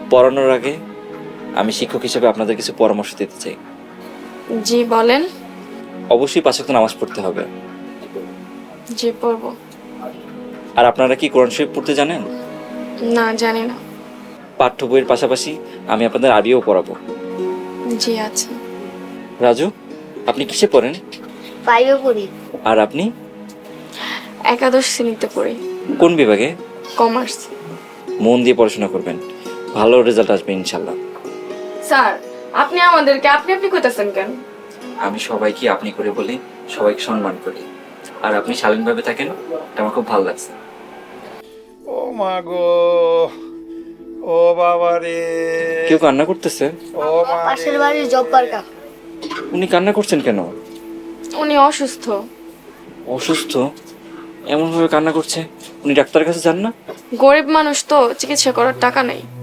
পড়ানোর আগে আমি শিক্ষক হিসেবে আপনাদের কিছু পরামর্শ দিতে চাই। জি বলেন। অবশ্যই 5 ওয়াক্ত নামাজ পড়তে হবে। জি পড়বো। আর আপনারা কি কোরআন শরীফ পড়তে জানেন? না জানি না। পাঠ্য বইয়ের পাশাপাশি আমি আপনাদের আরবিও পড়াবো। জি আচ্ছা। রাজু, আপনি কিসে পড়েন? 5-এ পড়ি। আর আপনি? একাদশ শ্রেণীতে পড়ি। কোন বিভাগে? কমার্স। মন দিয়ে পড়াশোনা করবেন, ভালো রেজাল্ট আসবে ইনশাল্লাহ। স্যার, আপনি আমাদেরকে আপনি আপনি কইতাছেন কেন? আমি সবাইকে আপনি করে বলি, সবাইকে সম্মান করি। আর আপনি শালীনভাবে থাকেন, এটা আমার খুব ভালো লাগছে। ও মা গো, ও বাবা রে, কেউ কান্না করতেছে? ও মা পাশের বাড়ির জব্বার কাকা। উনি কান্না করছেন কেন? উনি অসুস্থ। অসুস্থ? এমনভাবে কান্না করছে, উনি ডাক্তারের কাছে যান না? গরিব মানুষ তো, চিকিৎসা করার টাকা নেই।